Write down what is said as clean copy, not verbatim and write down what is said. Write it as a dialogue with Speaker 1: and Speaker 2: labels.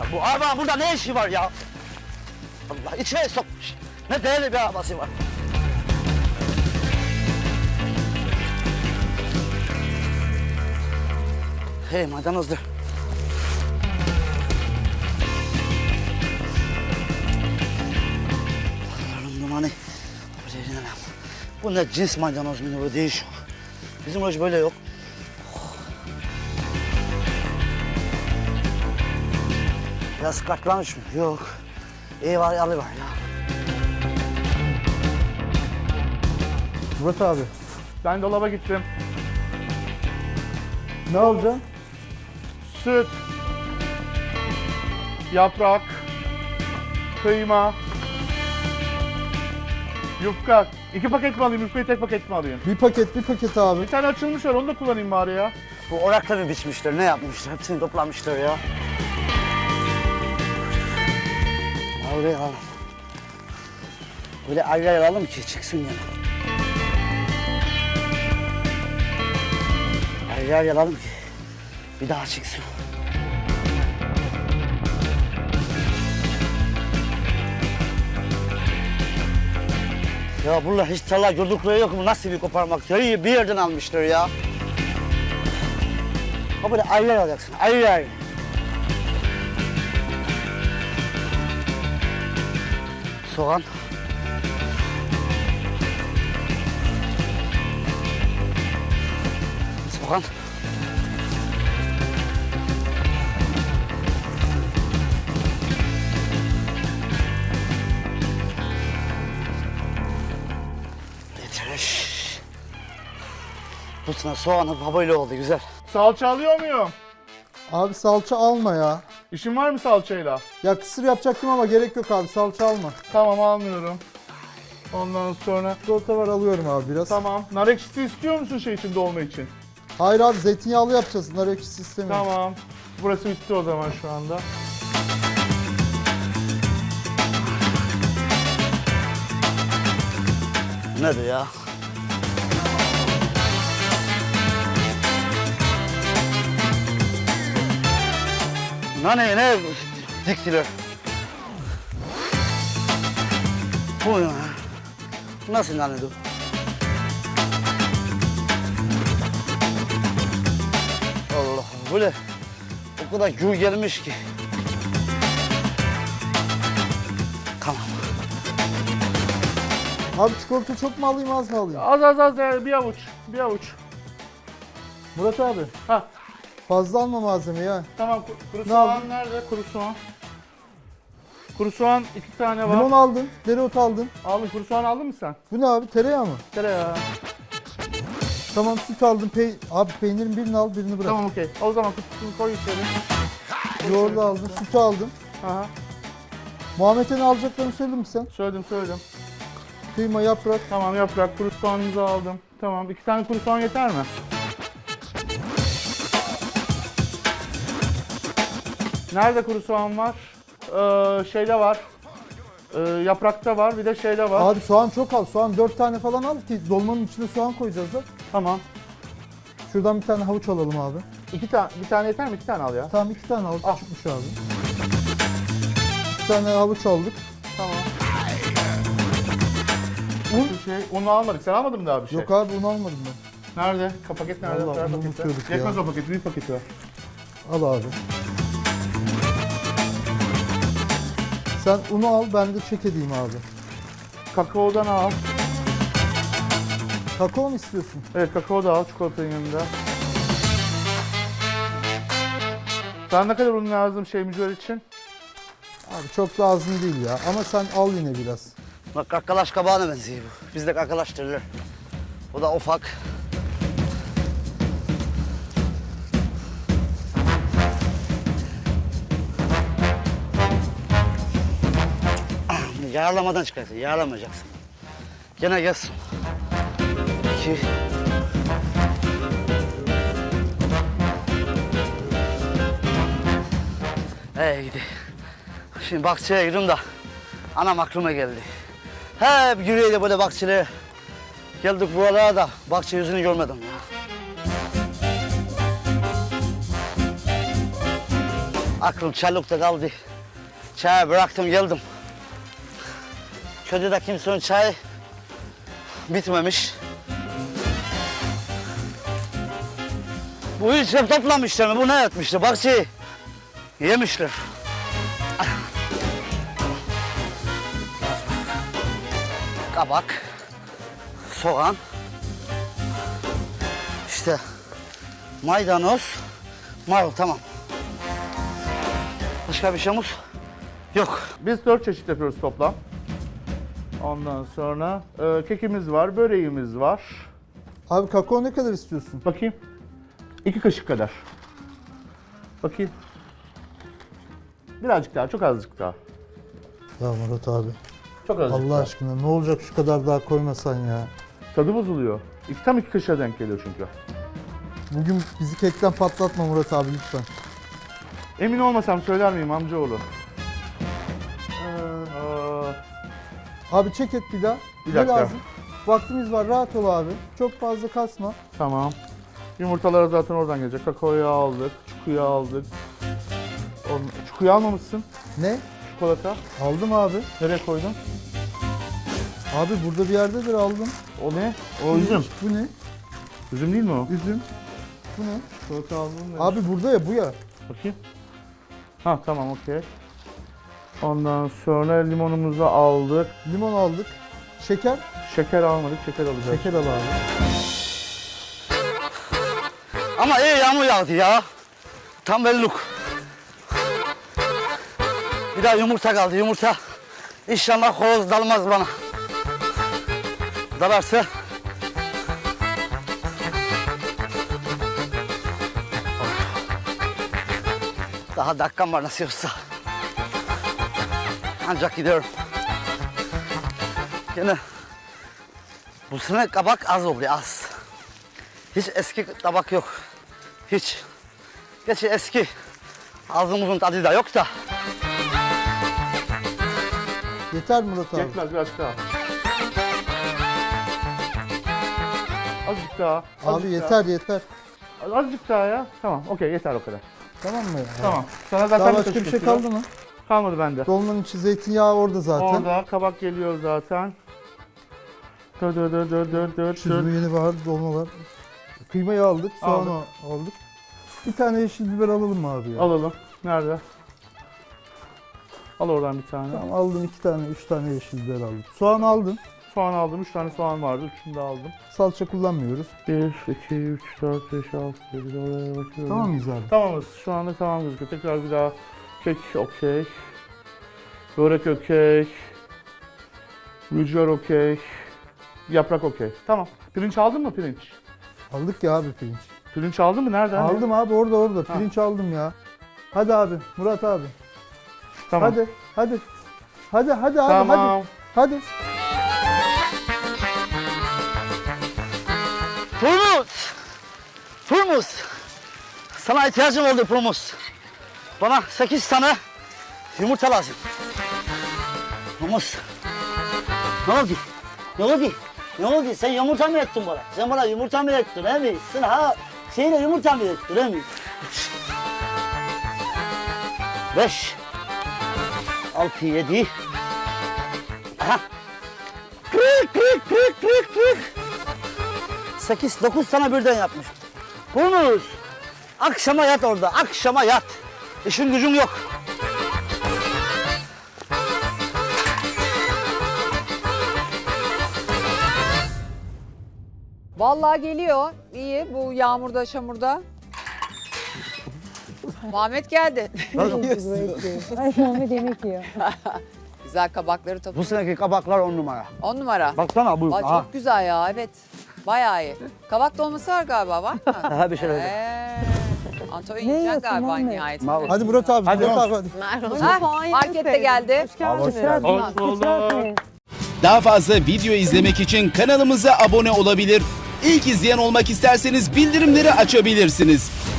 Speaker 1: Bu arabanın burada ne işi var ya? Allah içine sokmuş. Ne değerli bir arabası var. Hey maydanozdur. Allah'ım dumanı. Bu ne cins maydanoz mu bu değişiyor. Bizim hoş böyle yok. Biraz katlamış mı? Yok. İyi var, yalı var ya.
Speaker 2: Murat abi.
Speaker 3: Ben dolaba gittim.
Speaker 2: Ne alacaksın?
Speaker 3: Süt, yaprak, kıyma, yufka. 2 paket mi alayım, yufkayı tek paket mi alayım?
Speaker 2: Bir paket abi.
Speaker 3: Bir tane açılmış var, onu da kullanayım bari ya.
Speaker 1: Bu orakla mı biçmişler, ne yapmışlar? Hepsini toplamışlar ya. Oraya alalım. Böyle ayrı alalım ki çıksın yani. Ayrı alalım ki bir daha çıksın. Ya bunlar hiç tarla gördükleri yok mu? Nasıl bir koparmak? Ya bir yerden almışlar ya. Ha böyle ayrı alacaksın, ayrı. Soğan. Soğan. Yeter. Bu sene soğanı böyle oldu güzel.
Speaker 3: Salça alıyor muyum?
Speaker 2: Abi salça alma ya.
Speaker 3: İşin var mı salçayla?
Speaker 2: Ya kısır yapacaktım ama gerek yok abi, salça alma.
Speaker 3: Tamam, almıyorum. Ondan sonra...
Speaker 2: Çikolata var, alıyorum abi biraz.
Speaker 3: Tamam. Nar ekşisi istiyor musun şey için, dolma için?
Speaker 2: Hayır abi, zeytinyağlı yapacağız. Nar ekşisi istemiyorum.
Speaker 3: Tamam. Burası bitti o zaman şu anda.
Speaker 1: Nedir ya? Ne diktiler? Bu ya. Nasıl nane bu? Allah böyle o kadar gür gelmiş ki. Tamam.
Speaker 2: Abi çikolata çok mu alayım, az mı alayım?
Speaker 3: Az ya, bir avuç. Bir avuç.
Speaker 2: Murat abi,
Speaker 3: Ha,
Speaker 2: fazla alma malzeme ya.
Speaker 3: tamam. Kuru
Speaker 2: Ne
Speaker 3: soğan
Speaker 2: aldın?
Speaker 3: nerede? Kuru soğan. Kuru soğan 2 tane var.
Speaker 2: Limon aldın, dereotu aldın.
Speaker 3: Aldın. Kuru soğan aldın mı sen?
Speaker 2: Bu ne abi, tereyağı mı?
Speaker 3: Tereyağı.
Speaker 2: Tamam, süt aldım. Abi peynirin birini al, birini bırak.
Speaker 3: Tamam, okey. O zaman kutusunu koy içeri.
Speaker 2: Yoğurdu aldım, sütü aldım.
Speaker 3: Aha.
Speaker 2: Muhammed'e ne alacaklarını söyledin mi sen?
Speaker 3: Söyledim.
Speaker 2: Kıyma, yaprak.
Speaker 3: Tamam, yaprak, kuru soğanınızı aldım. Tamam, 2 tane kuru soğan yeter mi? Nerede kuru soğan var? Şeyde var. Yaprakta var, bir de şeyde var.
Speaker 2: Abi soğan çok al. Soğan 4 tane falan al ki dolmanın içine soğan koyacağız da.
Speaker 3: Tamam.
Speaker 2: Şuradan bir tane havuç alalım abi.
Speaker 3: Bir tane yeter mi? 2 tane al ya.
Speaker 2: Tamam, 2 tane al.
Speaker 3: Al.
Speaker 2: Çıkmış abi. 2 tane havuç aldık.
Speaker 3: Tamam. Unu almadık. Sen almadın mı daha bir şey?
Speaker 2: Yok abi, un almadım ben.
Speaker 3: Nerede? Paket nerede?
Speaker 2: Vallahi
Speaker 3: Ver
Speaker 2: bunu
Speaker 3: paketi.
Speaker 2: unutuyorduk ya.
Speaker 3: Yetmez o paket, büyük paketi ver.
Speaker 2: Al abi. Sen unu al, ben de çek edeyim abi.
Speaker 3: Kakaodan al.
Speaker 2: Kakao mu istiyorsun?
Speaker 3: Evet, kakao da al çikolatanın yanında. Sen ne kadar un lazım mücver için?
Speaker 2: Abi çok lazım değil ya, ama sen al yine biraz.
Speaker 1: Bak kakalaş kabağına benziyor bu. Bizde kakalaş derler. O da ufak. Yağlamadan çıkarsın, yağlamayacaksın. Gene gelsin. 2. Gidi. Şimdi bahçeye girdim de anam aklıma geldi. Hep yürüyelim böyle bahçelere. Geldik buralara da bahçe yüzünü görmedim ya. Aklım Çarlık'ta kaldı. Çayı bıraktım geldim. Köyde de kimsenin çayı bitmemiş. Bu ilçe toplamışlar mı? Bu ne etmişler? Bahçeyi yemişler. Kabak, soğan, işte maydanoz, marul, tamam. Başka bir şeyimiz yok.
Speaker 3: Biz 4 çeşit yapıyoruz toplam. Ondan sonra kekimiz var, böreğimiz var.
Speaker 2: Abi kakao ne kadar istiyorsun?
Speaker 3: Bakayım. 2 kaşık kadar. Bakayım. Birazcık daha, çok azıcık daha.
Speaker 2: Ya Murat abi.
Speaker 3: Çok azıcık
Speaker 2: Allah
Speaker 3: daha.
Speaker 2: aşkına ne olacak şu kadar daha koymasan ya.
Speaker 3: Tadı bozuluyor. Tam 2 kaşığa denk geliyor çünkü.
Speaker 2: Bugün bizi kekten patlatma Murat abi lütfen.
Speaker 3: Emin olmasam söyler miyim amcaoğlu?
Speaker 2: Abi çek et bir daha.
Speaker 3: Bir
Speaker 2: Ne
Speaker 3: dakika.
Speaker 2: lazım? Vaktimiz var, rahat ol abi. Çok fazla kasma.
Speaker 3: Tamam. Yumurtalar zaten oradan gelecek. Kakaoyu aldık, çukuyu aldık. Çukuyu almamışsın.
Speaker 2: Ne?
Speaker 3: Çikolata.
Speaker 2: Aldım abi.
Speaker 3: Nereye koydun?
Speaker 2: Abi burada bir yerdedir aldım.
Speaker 3: O ne? O üzüm.
Speaker 2: Bu ne?
Speaker 3: Üzüm değil mi o?
Speaker 2: Üzüm. Bu ne?
Speaker 3: Çikolata aldın mı?
Speaker 2: Abi burada ya bu ya.
Speaker 3: Bakayım. Ha tamam okey. Ondan sonra limonumuzu aldık.
Speaker 2: Limon aldık. Şeker.
Speaker 3: Şeker almadık, şeker alacağız.
Speaker 2: Şeker al abi.
Speaker 1: Ama iyi yağmur yağdı ya. Tam belluk. Bir daha yumurta kaldı, yumurta. İnşallah horoz dalmaz bana. Dalarsa... Daha dakikam var nasıl olsa. Ancak gidiyorum. Yine bu sene kabak az oldu, az. Hiç eski tabak yok. Hiç. Gerçi eski. Ağzımızın tadı da yok da.
Speaker 2: Yeter Murat abi.
Speaker 3: Yetmez birazcık daha. Azıcık daha.
Speaker 2: Abi
Speaker 3: azıcık
Speaker 2: yeter yeter.
Speaker 3: Daha. Azıcık daha ya. Tamam okey yeter o kadar.
Speaker 2: Tamam mı?
Speaker 3: Tamam. Sana zaten
Speaker 2: Daha
Speaker 3: bir
Speaker 2: başka
Speaker 3: kaşık
Speaker 2: bir şey
Speaker 3: yetiyor.
Speaker 2: kaldı mı?
Speaker 3: Kalmadı bende.
Speaker 2: Dolmanın içi zeytinyağı orada zaten.
Speaker 3: Orada kabak geliyor zaten. Dur.
Speaker 2: Süzme yeni var, dolma var. Kıymayı aldık, soğanı aldık. Bir tane yeşil biber alalım mı abi ya?
Speaker 3: Alalım. Nerede? Al oradan bir tane.
Speaker 2: Tamam aldım 2 tane, 3 tane yeşil biber aldım. Soğan aldın.
Speaker 3: Soğan aldım. 3 tane soğan vardı. 3'ünü de aldım.
Speaker 2: Salça kullanmıyoruz.
Speaker 3: 1, 2, 3, 4, 5, 6, 7, oraya bakıyorum.
Speaker 2: Tamam mıyız abi?
Speaker 3: Tamamız. Şu anda tamam gözüküyor. Tekrar bir daha. Kek okey. Börek okey. Rüzgar okey. Yaprak okey. Tamam. Pirinç aldın mı pirinç?
Speaker 2: Aldık ya abi pirinç.
Speaker 3: Pirinç aldın mı? Nereden?
Speaker 2: Aldım abi orada. Pirinç aldım ya. Hadi abi, Murat abi.
Speaker 3: Tamam.
Speaker 2: Hadi abi,
Speaker 3: Tamam.
Speaker 2: hadi.
Speaker 1: Turmus. Sana ihtiyacım oldu Turmus. Bana 8 tane yumurta lazım. Turmus. Ne oldu? Sen yumurta mı ettin bana? Sen bana yumurta mı ettin, he mi? Sen şeyle yumurta mı ettin, he mi? 5, 6, 7. Aha. 40. 8, 9 tane birden yapmış. Turmus. Akşama yat orada, akşama yat. İşin gücün yok.
Speaker 4: Vallahi geliyor. İyi bu yağmurda, çamurda. Muhammed geldi.
Speaker 5: Ay Muhammed yemek yiyor.
Speaker 4: Güzel kabakları
Speaker 1: Bu
Speaker 4: topladı.
Speaker 1: seneki kabaklar 10 numara.
Speaker 4: 10 numara.
Speaker 1: Baksana bu.
Speaker 4: Vay,
Speaker 1: Aha.
Speaker 4: çok güzel ya, evet. Bayağı iyi. Kabak dolması var galiba, var mı?
Speaker 1: Aha, bir şey öyle.
Speaker 4: Antonio
Speaker 5: Ne
Speaker 4: yiyeceksin
Speaker 5: yiyorsun
Speaker 4: galiba
Speaker 5: Muhammed?
Speaker 4: nihayetinde.
Speaker 2: Hadi Murat abi,
Speaker 3: Hadi.
Speaker 2: Murat abi hadi.
Speaker 4: Ha, markette geldi.
Speaker 3: Hoş bulduk.
Speaker 6: Daha fazla video izlemek için kanalımıza abone olabilir. İlk izleyen olmak isterseniz bildirimleri açabilirsiniz.